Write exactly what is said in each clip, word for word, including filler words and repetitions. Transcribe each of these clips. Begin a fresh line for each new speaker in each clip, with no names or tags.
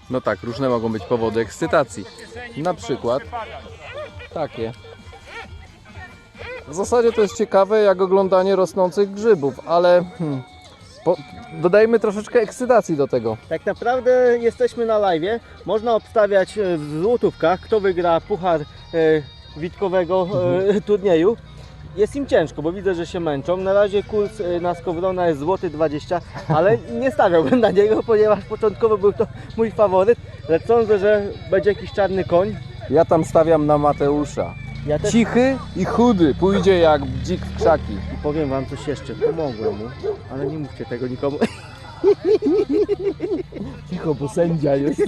No tak, różne mogą być powody ekscytacji. Na przykład takie. W zasadzie to jest ciekawe jak oglądanie rosnących grzybów, ale hmm, po, dodajmy troszeczkę ekscytacji do tego.
Tak naprawdę jesteśmy na live'ie. Można obstawiać e, w złotówkach, kto wygra puchar e, witkowego e, turnieju. Jest im ciężko, bo widzę, że się męczą. Na razie kurs e, na Skowrona jest złoty dwadzieścia, ale nie stawiałbym na niego, ponieważ początkowo był to mój faworyt. Lecz sądzę, że będzie jakiś czarny koń.
Ja tam stawiam na Mateusza.
Ja też
Cichy i chudy, pójdzie jak dzik w krzaki.
I powiem wam coś jeszcze, pomogłem mu, ale nie mówcie tego nikomu.
Cicho, bo sędzia jest.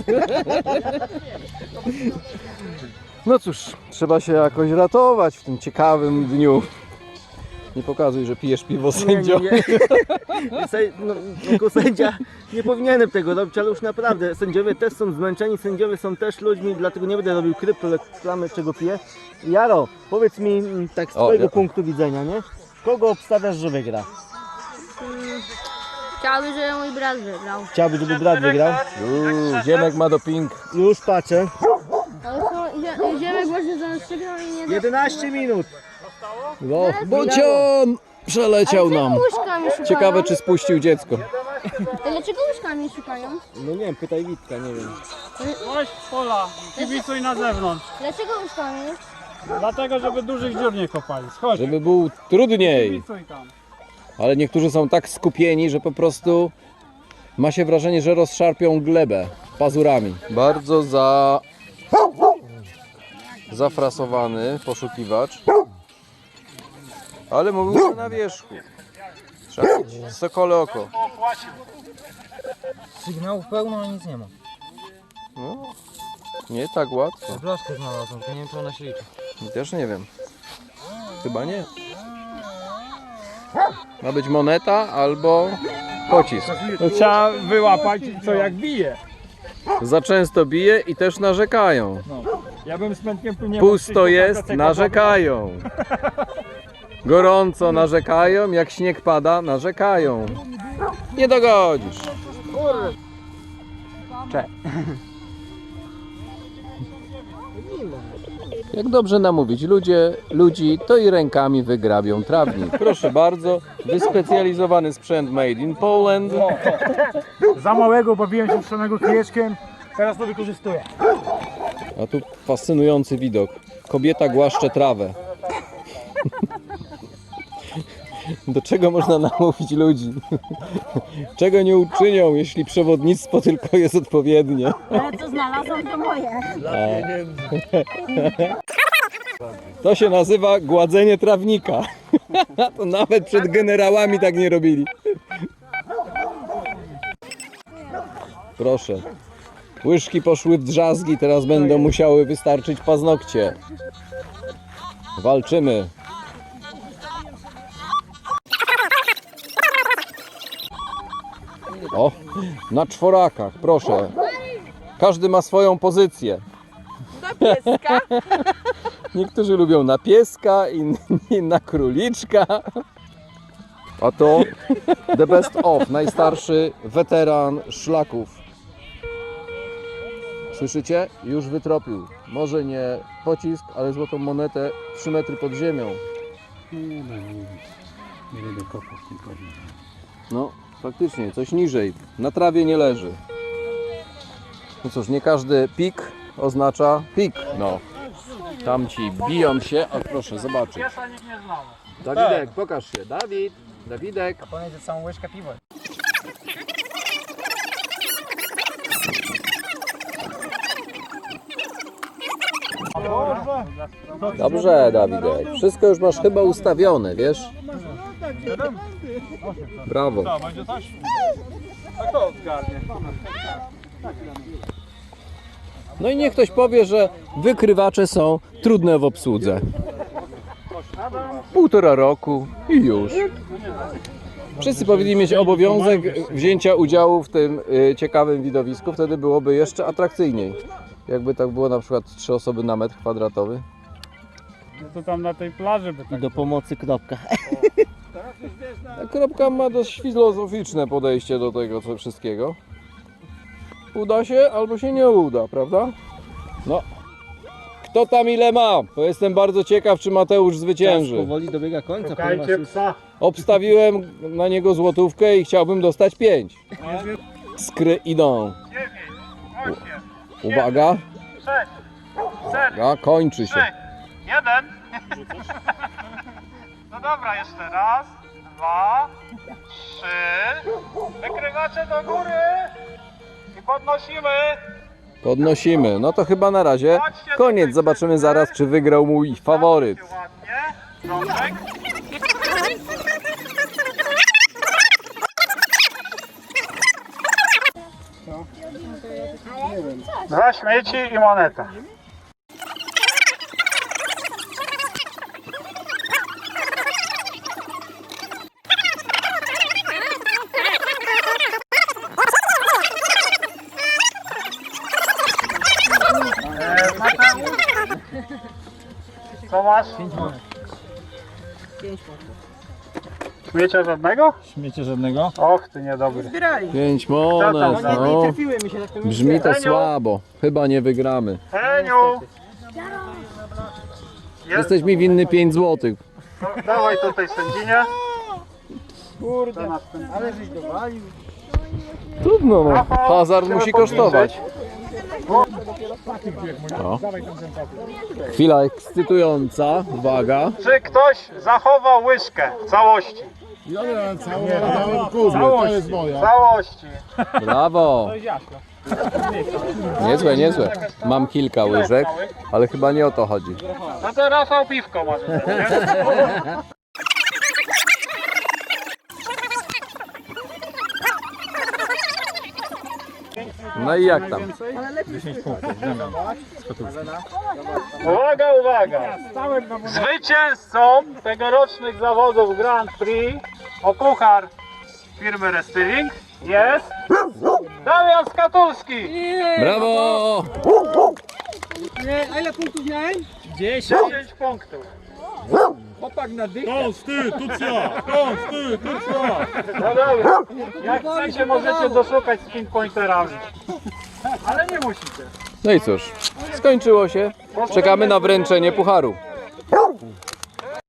No cóż, trzeba się jakoś ratować w tym ciekawym dniu. Nie pokazuj, że pijesz piwo, sędzio.
Nie, nie, nie. Sę- no, jako sędzia nie powinienem tego robić, ale już naprawdę sędziowie też są zmęczeni, sędziowie są też ludźmi, dlatego nie będę robił kryptoreklamy, czego piję. Jaro, powiedz mi mm, tak z
O,
twojego
ja-
punktu widzenia, nie? Kogo obstawiasz, że wygra?
Chciałbym, żeby mój brat wygrał.
Chciałbyś, żeby brat wygrał?
Uuu, Ziemek ma doping.
Już patrzę.
Ale to zie- ziemek właśnie zastrzygnął i nie da...
jedenaście minut.
No, Bocian przeleciał nam.
Łóżkami szukają?
Ciekawe, czy spuścił dziecko.
Dlaczego łóżkami szukają?
No nie wiem, pytaj Witka, nie wiem.
Chodź z pola, kibicuj na zewnątrz.
Dlaczego łóżkami?
Dlatego, żeby dużych dziur nie kopali. Chodź,
Żeby był trudniej.
kibicuj tam.
Ale niektórzy są tak skupieni, że po prostu ma się wrażenie, że rozszarpią glebę pazurami. Bardzo za... zafrasowany poszukiwacz. Ale mówił, że na wierzchu. Trzeba mieć sokole oko.
Sygnałów pełno, a nic nie ma.
No, nie tak łatwo.
Blaszkę znalazłem, to nie wiem, czy ona się liczy.
Też nie wiem. Chyba nie. Ma być moneta albo pocisk.
To trzeba wyłapać, co jak bije.
Za często bije i też narzekają.
Ja bym z Pętkiem tu nie
Pusto
mógł
jest,
przyjść,
narzekają. Gorąco narzekają, jak śnieg pada, narzekają. Nie dogodzisz. Cze. Jak dobrze namówić ludzie, ludzi, to i rękami wygrabią trawnik. Proszę bardzo, wyspecjalizowany sprzęt made in Poland.
Za małego bawiłem się strzelonego kijeczkiem, teraz to wykorzystuję.
A tu fascynujący widok. Kobieta głaszcze trawę. Do czego można namówić ludzi? Czego nie uczynią, jeśli przewodnictwo tylko jest odpowiednie?
Ale co znalazłam, to moje.
To się nazywa gładzenie trawnika. To nawet przed generałami tak nie robili. Proszę. Łyżki poszły w drzazgi, teraz będą musiały wystarczyć paznokcie. Walczymy. O, na czworakach, proszę. Każdy ma swoją pozycję.
Pieska.
Niektórzy lubią na pieska, inni na króliczka. A to the best of, najstarszy weteran szlaków. Słyszycie? Już wytropił. Może nie pocisk, ale złotą monetę trzy metry pod ziemią. No, faktycznie, coś niżej. Na trawie nie leży. No cóż, nie każdy pik oznacza pik. No. Tamci biją się, a proszę zobaczyć. Dawidek, pokaż się. Dawid, Dawidek.
Pomiędzy całą łyżkę piwa.
Dobrze, Dawidek. Wszystko już masz chyba ustawione, wiesz? Brawo.
To będzie coś? A kto odgarnie?
No i niech ktoś powie, że wykrywacze są trudne w obsłudze. Półtora roku i już. Wszyscy powinni mieć obowiązek wzięcia udziału w tym y, ciekawym widowisku, wtedy byłoby jeszcze atrakcyjniej. Jakby tak było na przykład trzy osoby na metr kwadratowy.
No to tam na tej plaży by tak.
Do pomocy kropka.
Ta kropka ma dość filozoficzne podejście do tego co wszystkiego. uda się, albo się nie uda, prawda? No. Kto tam ile ma? Bo jestem bardzo ciekaw, czy Mateusz
Czas
zwycięży.
powoli dobiega końca, ponieważ
Szukajcie
już
psa.
Obstawiłem na niego złotówkę i chciałbym dostać pięć. Skry idą. Uwaga. Uwaga, kończy się.
Jeden. No dobra, jeszcze raz, dwa, trzy. Wykrywacie do góry i podnosimy.
Podnosimy. No to chyba na razie koniec. Zobaczymy zaraz, czy wygrał mój faworyt.
Ładnie. Rączek. Dwa śmieci i moneta. Eee, Mateusz? Co masz? Śmiecia żadnego?
Śmiecie żadnego?
Och, ty niedobry.
Pięć monet. No. Brzmi to słabo. Chyba nie wygramy.
Heniu!
Jesteś mi winny pięć złotych.
No, dawaj tutaj sędzinie. Kurde, ale żeś dowalił.
Trudno, no. Hazard musi kosztować. O. Chwila ekscytująca. Uwaga.
Czy ktoś zachował łyżkę w całości?
Całość.
W całości.
Brawo. Niezłe, niezłe. Mam kilka łyżek, ale chyba nie o to chodzi.
No to Rafał piwko może też, nie?
No i jak tam?
Uwaga, uwaga! Zwycięzcą tegorocznych zawodów Grand Prix o puchar firmy Restyling jest Damian Skatulski!
Brawo!
dziesięć punktów.
Konstytucja! Konstytucja!
No dobra, jak chcecie możecie doszukać z pinpointerami. Ale nie musicie.
No i cóż, skończyło się. Czekamy na wręczenie pucharu.